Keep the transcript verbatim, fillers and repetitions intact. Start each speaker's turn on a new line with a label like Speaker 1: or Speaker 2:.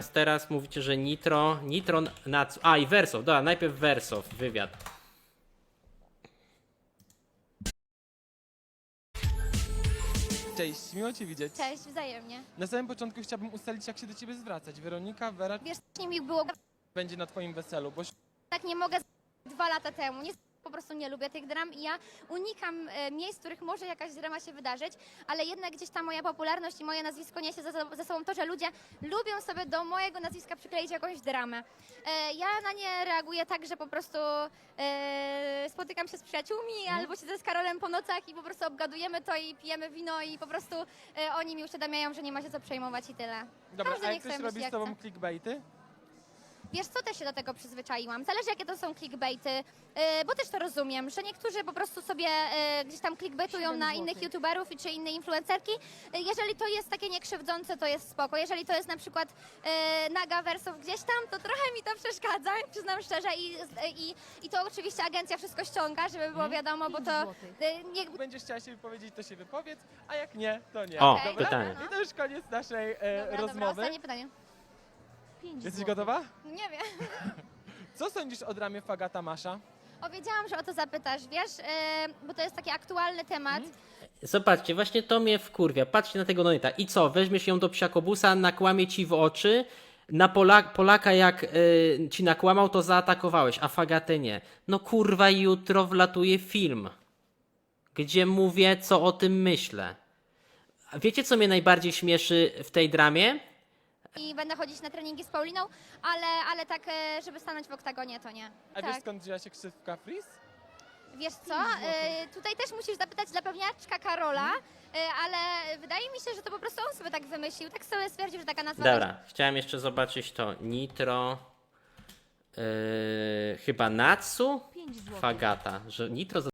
Speaker 1: teraz mówicie, że Nitro, Nitro na... A i Wersow, dobra, najpierw Wersow, wywiad.
Speaker 2: Cześć, miło Cię widzieć.
Speaker 3: Cześć, wzajemnie.
Speaker 2: Na samym początku chciałbym ustalić, jak się do Ciebie zwracać. Weronika, Wera
Speaker 3: Wiesz, nie mi było
Speaker 2: będzie na Twoim weselu, bo
Speaker 3: tak nie mogę z- dwa lata temu. Nie, po prostu nie lubię tych dram i ja unikam e, miejsc, w których może jakaś drama się wydarzyć, ale jednak gdzieś ta moja popularność i moje nazwisko niesie ze, ze sobą to, że ludzie lubią sobie do mojego nazwiska przykleić jakąś dramę. E, ja na nie reaguję tak, że po prostu e, spotykam się z przyjaciółmi
Speaker 2: Mhm.
Speaker 3: albo siedzę z Karolem po nocach i po prostu obgadujemy to i pijemy wino i po prostu e, oni mi uświadamiają, że nie ma się co przejmować i tyle.
Speaker 2: Dobra,
Speaker 3: Każdy
Speaker 2: a
Speaker 3: niech
Speaker 2: jak ktoś
Speaker 3: sobie
Speaker 2: robi
Speaker 3: myśli,
Speaker 2: z
Speaker 3: jak
Speaker 2: Tobą
Speaker 3: chce.
Speaker 2: clickbaity?
Speaker 3: Wiesz co, też się do tego przyzwyczaiłam. Zależy jakie to są clickbaity, yy, bo też to rozumiem, że niektórzy po prostu sobie yy, gdzieś tam clickbaitują na innych youtuberów i czy inne influencerki. Yy, jeżeli to jest takie niekrzywdzące, to jest spoko. Jeżeli to jest na przykład yy, naga Wersow gdzieś tam, to trochę mi to przeszkadza, przyznam szczerze. I, i, i to oczywiście agencja wszystko ściąga, żeby było wiadomo, bo to yy, nie,
Speaker 2: Jak będziesz chciała się wypowiedzieć, to się wypowiedz, a jak nie, to nie.
Speaker 1: O,
Speaker 3: Okej,
Speaker 2: Dobra?
Speaker 1: pytanie.
Speaker 3: dobra,
Speaker 2: I to już koniec naszej e,
Speaker 3: Dobra, dobra,
Speaker 2: rozmowy.
Speaker 3: ostatnie pytanie.
Speaker 2: Jesteś gotowa?
Speaker 3: Nie wiem.
Speaker 2: Co sądzisz o dramie Fagata Masza?
Speaker 3: O, wiedziałam, że o to zapytasz, wiesz, yy, bo to jest taki aktualny temat.
Speaker 1: Zobaczcie, właśnie to mnie wkurwia. Patrzcie na tego Nonita. I co? Weźmiesz ją do psiakobusa, nakłamie ci w oczy. Na Pola Polaka jak y, ci nakłamał, to zaatakowałeś, a Fagatę nie. No kurwa, jutro wlatuje film, gdzie mówię, co o tym myślę. A wiecie, co mnie najbardziej śmieszy w tej dramie?
Speaker 3: I będę chodzić na treningi z Pauliną, ale, ale tak, e, żeby stanąć w oktagonie, to nie.
Speaker 2: A
Speaker 3: tak.
Speaker 2: wiesz skąd wzięła się ksywka Freeze?
Speaker 3: Wiesz co, e, tutaj też musisz zapytać dla pewniaczka Karola, e, ale wydaje mi się, że to po prostu on sobie tak wymyślił, tak sobie stwierdził, że taka nazwa
Speaker 1: Dobra, chciałem jeszcze zobaczyć to. Nitro. Yy, chyba Natsu? Fagata. Że Nitro